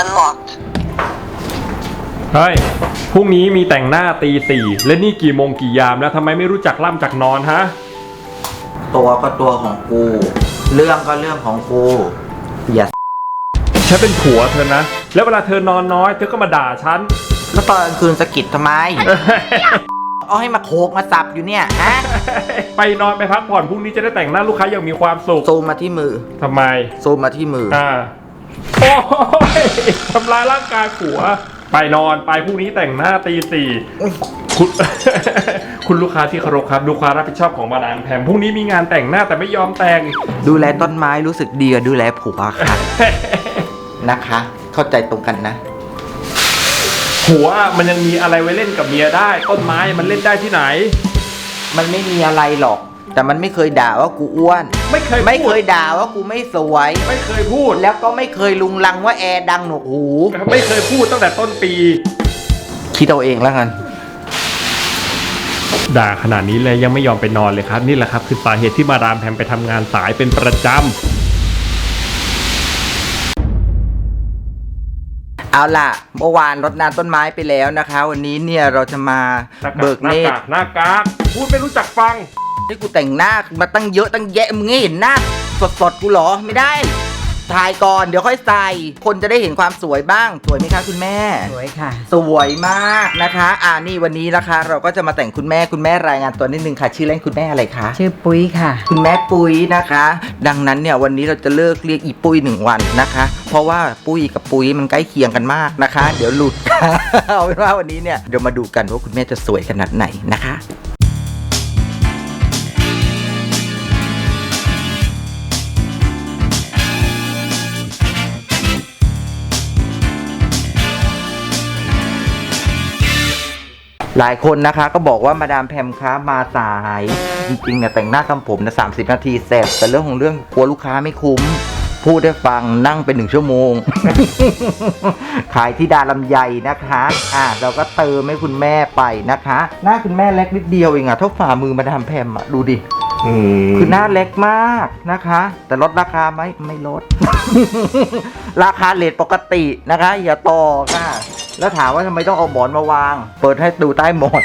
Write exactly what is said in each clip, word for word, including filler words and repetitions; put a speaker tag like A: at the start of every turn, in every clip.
A: unlocked
B: เฮ้ยพรุ่งนี้มีแต่งหน้าตีสี่และนี่กี่โมงกี่ยามแล้วทำไมไม่รู้จักล่ำจักนอนฮะ
C: ตัวก็ตัวของกู เรื่องก็เรื่องของกูอย่า
B: ฉันเป็นผัวเธอนะแล้วเวลาเธอนอนน้อยเธอก็มาด่าฉัน
C: แล้วตอนกลางคืนสะกิดทำไม เอาให้มาโขกมาสับอยู่เนี่ยฮะ
B: ไปนอนไปพักผ่อนพรุ่งนี้จะได้แต่งหน้าลูกค้าอย่างมีความสุข
C: ซูมมาที่มือ
B: ทำไม
C: ซูมมาที่มือ
B: อ่าโอ้ยทำลายร่างกายผัวไปนอนไปพรุ่งนี้แต่งหน้าตีสี่คุณ คุณลูกค้าที่เคารพครับดูความรับผิดชอบของมาดามแพมพรุ่งนี้มีงานแต่งหน้าแต่ไม่ยอมแต่ง
C: ดูแลต้นไม้รู้สึกดีกว่าดูแลผัวค่ะ นะคะ เข้าใจตรงกันนะ
B: ผัวมันยังมีอะไรไว้เล่นกับเมียได้ต้นไม้มันเล่นได้ที่ไหน
C: มันไม่มีอะไรหรอกแต่มันไม่เคยด่าว่ากูอ้วน
B: ไม่เคย
C: ไม่เคยด่าว่ากูไม่สวย
B: ไม่เคยพูด
C: แล้วก็ไม่เคยลุงลังว่าแอร์ดังหนวกหู
B: ไม่เคยพูดตั้งแต่ต้นปี
C: คิดเอาเองแล้วกัน
B: ด่าขนาดนี้เลยยังไม่ยอมไปนอนเลยครับนี่แหละครับคือสาเหตุที่มาดามแพมไปทำงานสายเป็นประจำ
C: เอาล่ะเมื่อวานรดน้ำต้นไม้ไปแล้วนะคะวันนี้เนี่ยเราจะมาเบิกเนตร
B: หน้ากากพูดไม่รู้จักฟัง
C: ที่กูแต่งหน้ามาตั้งเยอะตั้งแยะมึงไม่เห็นหน้าสดๆกูหรอไม่ได้ถ่ายก่อนเดี๋ยวค่อยใส่คนจะได้เห็นความสวยบ้างสวยไหมคะคุณแม่
D: สวยค่ะ
C: สวยมากนะคะอ่านี่วันนี้นะคะเราก็จะมาแต่งคุณแม่คุณแม่รายงานตัวนิดนึงค่ะชื่อเล่นคุณแม่อะไรคะ
D: ชื่อปุ้ยค่ะ
C: คุณแม่ปุ้ยนะคะดังนั้นเนี่ยวันนี้เราจะเลิกเรียกอีปุ้ยหนึ่งวันนะคะเพราะว่าปุ้ยกับปุ้ยมันใกล้เคียงกันมากนะคะเดี๋ยวหลุด เอาเป็นว่าวันนี้เนี่ยเดี๋ยวมาดูกันว่าคุณแม่จะสวยขนาดไหนนะคะหลายคนนะคะก็บอกว่ามาดามแพมคะมาสายจริงๆเนี่ยแต่งหน้าทำผมนะสามสิบนาทีเสร็จแต่เรื่องของเรื่องกลัวลูกค้าไม่คุ้มพูดได้ฟังนั่งเป็นหนึ่งชั่วโมง ขายที่ดาลำไยนะคะอ่ะเราก็เติมให้คุณแม่ไปนะคะหน้าคุณแม่เล็กนิดเดียวเองอะเท่าฝ่ามือมาดามแพมอะดูดิคือหน้าเล็กมากนะคะแต่ลดราคาไหมไม่ลด ราคาเรทปกตินะคะอย่าต่อค่ะแล้วถามว่าทำไมต้องเอาหมอนมาวางเปิดให้ดูใต้หมอน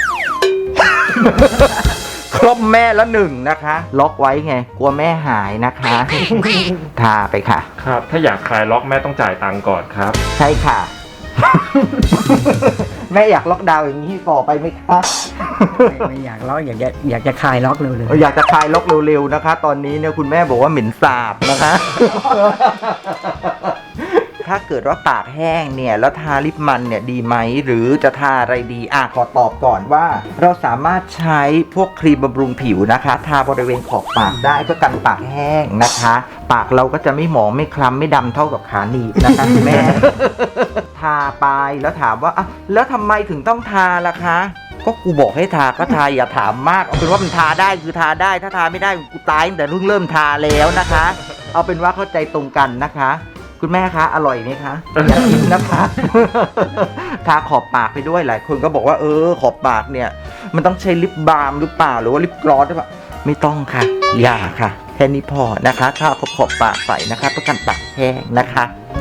C: ครบแม่แล้วหนึ่งนะคะล็อกไว้ไงกลัวแม่หายนะคะ ทาไปค่ะ
B: ครับถ้าอยากคลายล็อกแม่ต้องจ่ายตังค์ก่อนครับ
C: ใช่ค่ะ แม่อยากล็อกดาวน์อย่างนี้ต่อไปไหมคะ
D: ไม่อยากล็อกอยากจะอยากจะคลายล็อกเร็ว
C: ๆอยากจะคลายล็อกเร็วๆนะคะตอนนี้เนี่ยคุณแม่บอกว่าเหม็นสาบนะคะ ถ้าเกิดว่าปากแห้งเนี่ยแล้วทาลิปมันเนี่ยดีไหมหรือจะทาอะไรดีอ่ะขอตอบก่อนว่าเราสามารถใช้พวกครีมบำรุงผิวนะคะทาบริเวณขอบปากได้เพื่อกันปากแห้งนะคะปากเราก็จะไม่หมองไม่คล้ำไม่ดำเท่ากับขาหนีบนะคะคุณแม่ ทาไปแล้วถามว่าอ่ะแล้วทำไมถึงต้องทาล่ะคะก็กูบอกให้ทาก็ทาอย่าถามมากเอาเป็นว่ามันทาได้คือทาได้ถ้าทาไม่ได้กูตายตั้งแต่เพิ่งเริ่มทาแล้วนะคะเอาเป็นว่าเข้าใจตรงกันนะคะคุณแม่คะอร่อยไหมคะอยากกินนะคะ ทาขอบปากไปด้วยหลายคนก็บอกว่าเออขอบปากเนี่ยมันต้องใช้ลิปบาล์มหรือเปล่าหรือว่าลิปกลอสหรือเปล่าไม่ต้องค่ะอย่าค่ะแค่นี้พอนะคะทาขอบขอบปากใส่นะคะเพื่อกันปากแห้งนะคะ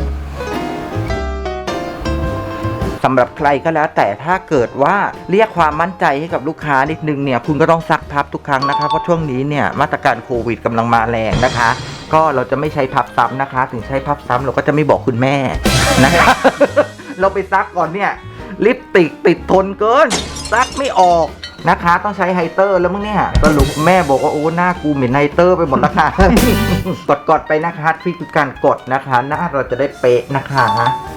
C: สำหรับใครก็แล้วแต่ถ้าเกิดว่าเรียกความมั่นใจให้กับลูกค้านิดนึงเนี่ยคุณก็ต้องซักพับทุกครั้งนะคะเพราะช่วงนี้เนี่ยมาตรการโควิดกำลังมาแรงนะคะก็เราจะไม่ใช้พับซ้ำนะคะถึงใช้พับซ้ำเราก็จะไม่บอกคุณแม่นะคะ เราไปซักก่อนเนี่ยลิปสติกติดทนเกินซักไม่ออกนะคะต้องใช้ไฮเตอร์แล้วมั้งเนี่ยสรุปแม่บอกว่าโอ้หน้ากูเหม็นไฮเตอร์ไปหมดแล้วค่ะ กดๆไปนะคะทริคคือการกดนะคะหน้าเราจะได้เป๊ะนะคะ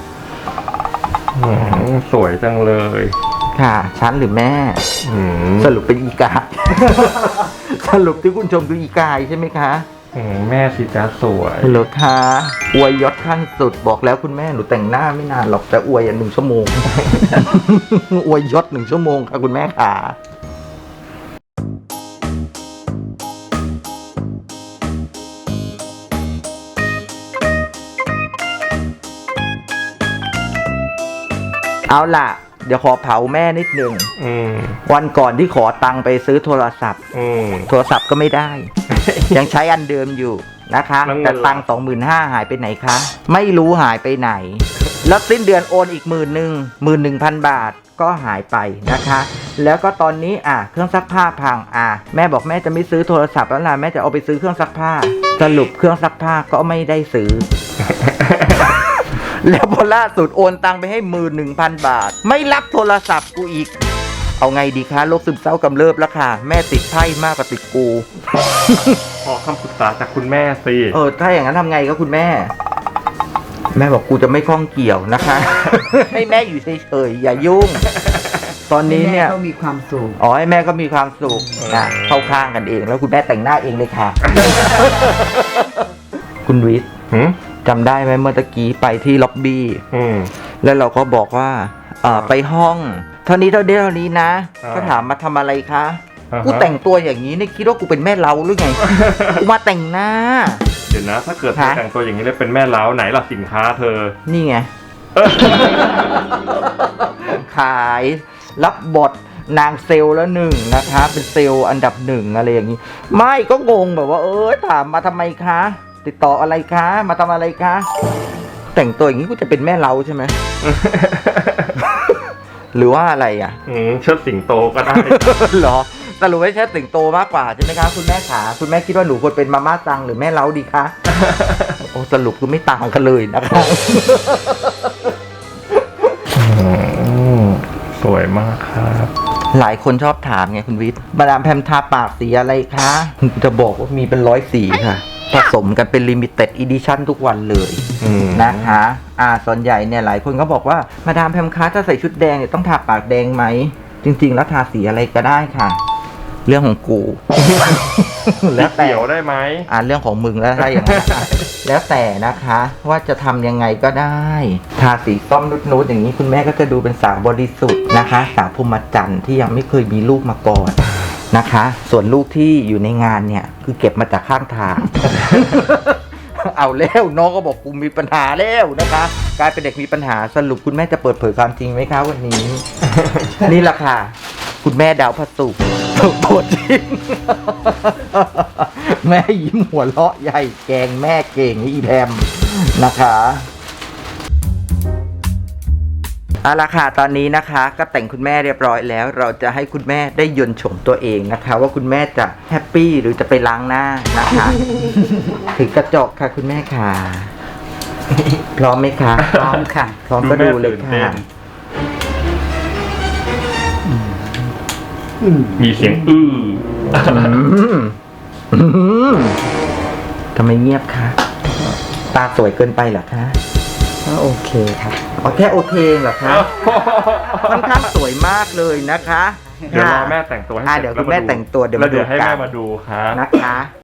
B: สวยจังเลย
C: ค่ะฉันหรือแม่สรุปเป็นอีกา สรุปที่คุณชมคืออีกายใช่ไหมคะ
B: แม่สิจ้าสวย
C: เหรอคะอวยยศขั้นสุดบอกแล้วคุณแม่หนูแต่งหน้าไม่นานหรอกแต่อวยอ่ะหนึ่งชั่วโมง อวยยศหนึ่งชั่วโมงค่ะคุณแม่ค่ะเอาล่ะเดี๋ยวขอเผาแม่นิดนึงวันก่อนที่ขอตังค์ไปซื้อโทรศัพท์โทรศัพท์ก็ไม่ได้ ยังใช้อันเดิมอยู่นะคะแต่ตังค์สองหมื่นห้าหายไปไหนคะไม่รู้หายไปไหนแล้วสิ้นเดือนโอนอีกหมื่นหนึ่งหมื่นหนึ่งพันบาทก็หายไปนะคะ แล้วก็ตอนนี้อ่ะเครื่องซักผ้าพังอ่ะแม่บอกแม่จะไม่ซื้อโทรศัพท์แล้วล่ะแม่จะเอาไปซื้อเครื่องซักผ้าสรุปเครื่องซักผ้าก็ไม่ได้ซื้อ แล้วพอล่าสุดโอนตังไปให้หมื่นหนึ่งพันบาทไม่รับโทรศัพท์กูอีกเอาไงดีคะโรคซึมเศร้ากำเริบแล้วค่ะแม่ติดไพ่มากกว่าติดกู
B: ขอคำปรึกษาจากคุณแม่สิ
C: เออถ้าอย่างนั้นทำไงก็คุณแม่ แม่บอกกูจะไม่ข้องเกี่ยวนะคะ ให้แม่อยู่เฉยๆอย่ายุ่ง ตอนนี้เนี่ย
D: แม่ก็มีความสุข
C: อ๋อให้แม่ก็มีความสุขนะเข้าข้างกันเองแล้วคุณแม่แต่งหน้าเองเลยค่ะ คุณวิทย์
B: หืม
C: จำได้ไหมเมื่อตะกี้ไปที่ล็อบบี้
B: อืม
C: แล้วเราก็บอกว่าเอ่อไปห้อง เท่านี้เท่านี้เท่านี้นะ
B: อ่า
C: ก็ถามมาทำอะไรคะ
B: อ่าฮะ
C: กูแต่งตัวอย่างนี้เนี่ยคิดว่ากูเป็นแม่เล้าหรือไง กูมาแต่งหน้า
B: เดี๋ยวนะ ถ้าเกิดเธอ
C: ฮะ
B: แต่งตัวอย่างนี้แล้วเป็นแม่เล้าไหนล่ะสินค้าเธอ
C: นี่ไง ขายรับบทนางเซลล์แล้วหนึ่งนะคะ เป็นเซลล์อันดับหนึ่งอะไรอย่างนี้ ไม่ก็งงแบบว่า เออถามมาทำไมคะ ติดต่ออะไรคะ มาทำอะไรคะ แต่งตัวอย่างนี้กูจะเป็นแม่เล้าใช่ไหม หรือว่าอะไรอ่ะ
B: อืมเชิดสิงโตก็ได้
C: เหรอสรุปไม่ใช่สิงโตมากกว่าใช่ไหมคะคุณแม่ขาคุณแม่คิดว่าหนูควรเป็นมาม่าซังหรือแม่เล้าดีคะ โอ้สรุปคือไม่ต่างกันเลยนะคะ
B: สวยมากครับ
C: หลายคนชอบถามไงคุณวิทย์มาดามแพมทาปากสีอะไรคะจะบอกว่ามีเป็นร้อยสีค่ะ ผสมกันเป็นลิมิเต็ดอีดิชั่นทุกวันเลย
B: อืม
C: นะคะอ่าส่วนใหญ่เนี่ยหลายคนก็บอกว่ามาดามแพมคะถ้าใส่ชุดแดงเนี่ยต้องทาปากแดงไหม จริง ๆ แล้วทาสีอะไรก็ได้ค่ะ เรื่องของกู แล้วแต่
B: เขียวได้ไหม
C: อ่าเรื่องของมึงแล้วถ้าอย่างนั้นอ่ะแล้วแต่นะคะว่าจะทำยังไงก็ได้ ทาสีส้มนุดๆอย่างนี้คุณแม่ก็จะดูเป็นสาวบริสุทธิ์นะคะ สาวพรหมจรรย์ที่ยังไม่เคยมีลูกมาก่อนนะคะ ส่วนลูกที่อยู่ในงานเนี่ยคือเก็บมาจากข้างทาง เอาแล้วน้องก็บอกกูมีปัญหาแล้วนะคะ กลายเป็นเด็กมีปัญหาสรุปคุณแม่จะเปิดเผยความจริงไหมคะวันนี้ นี่แหละค่ะ คุณแม่ดาวพระศุกร์ตัวจริง แม่ยิ้มหัวเราะใหญ่แกงแม่เก่งอีแพมนะคะเอาละค่ะตอนนี้นะคะก็แต่งคุณแม่เรียบร้อยแล้ว เราจะให้คุณแม่ได้ยนต์โฉมตัวเองนะคะ ว่าคุณแม่จะแฮปปี้หรือจะไปล้างหน้านะคะ ถือกระจกค่ะคุณแม่ค่ะพร้อมไหมคะ
D: พร้อมค่ะ
C: พร้อมก็ดูเลยค่ะ
B: มีเสียงอื้อ
C: อืมอืมทำไมเงียบคะตาสวยเกินไปเหรอคะ
D: ก็โอเคครับ
C: อ๋อแค่โอเคเหรอคะค่อนข้างสวยมากเลยนะคะ
B: เดี๋ยวรอแม่แต่งตัวให้
C: อ่ะ
B: เสร็จ
C: เดี๋ยวคุณแม่แต่งตัวเดี๋ยว
B: แล้ว
C: มาดู
B: เดี๋ยวให้
C: กั
B: แม่
C: น
B: มาดูครับ
C: นะคะ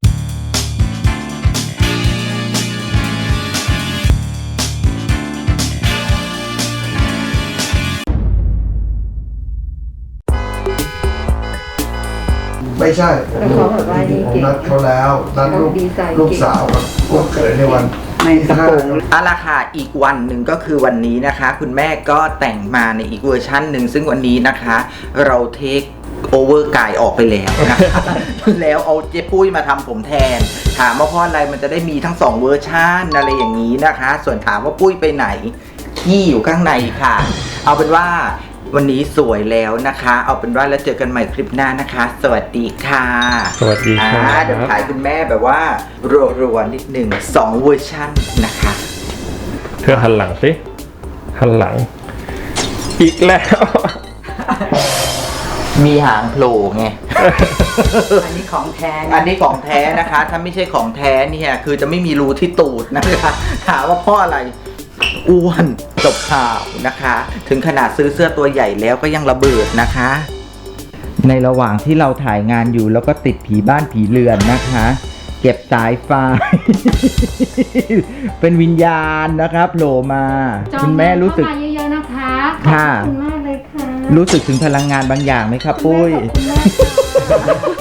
A: ไม่ใช่
E: แต่เขาแบบว่านี่
A: ผม
E: เก่ง
A: นัดเขาแล้วนัดลูก
E: เขาดีไซน์เก่ง
A: ลูกสาวกับลูกเขยในวัน
D: ไม่
A: ที่ห้า
C: เอาละค่ะอีกวันหนึ่งก็คือวันนี้นะคะ คุณแม่ก็แต่งมาในอีกเวอร์ชันหนึ่งซึ่งวันนี้นะคะ เราเทคโอเวอร์กายออกไปแล้วนะคะ แล้วเอาเจ๊ปุ้ยมาทำผมแทน ถามว่าเพราะอะไรมันจะได้มีทั้งสองเวอร์ชันอะไรอย่างนี้นะคะ ส่วนถามว่าปุ้ยไปไหนขี้อยู่ข้างในค่ะ เอาเป็นว่าวันนี้สวยแล้วนะคะ เอาเป็นว่าแล้วเจอกันใหม่คลิปหน้านะคะ สวัสดีค่ะ
B: สวัสดีครับ
C: อ่าเดี๋ยวถ่ายคุณแม่แบบว่ารัวๆนิดหนึ่งสองเวอร์ชันนะคะ
B: เธอหันหลังสิหันหลัง อีกแล้ว
C: มีหางโผล่ไง
D: อันนี้ของแท้
C: อันนี้ของแท้นะคะ ถ้าไม่ใช่ของแท้เนี่ยคือจะไม่มีรูที่ตูดนะคะถามว่าเพราะอะไรอ้วนจบข่าวนะคะ ถึงขนาดซื้อเสื้อตัวใหญ่แล้วก็ยังระเบิดนะคะ ในระหว่างที่เราถ่ายงานอยู่แล้วก็ติดผีบ้านผีเรือนนะคะ เก็บสายไฟ เป็นวิญญาณนะครับโผล่มา
E: จอง
C: คุณแม่รู้สึก
E: เข้ามาเยอะๆนะคะ
C: ค่ะ
E: ขอบคุณมากเลยค่ะ
C: รู้สึกถึงพลังงานบางอย่างไหมครับปุ้ย
E: ขอบคุณมากค่ะ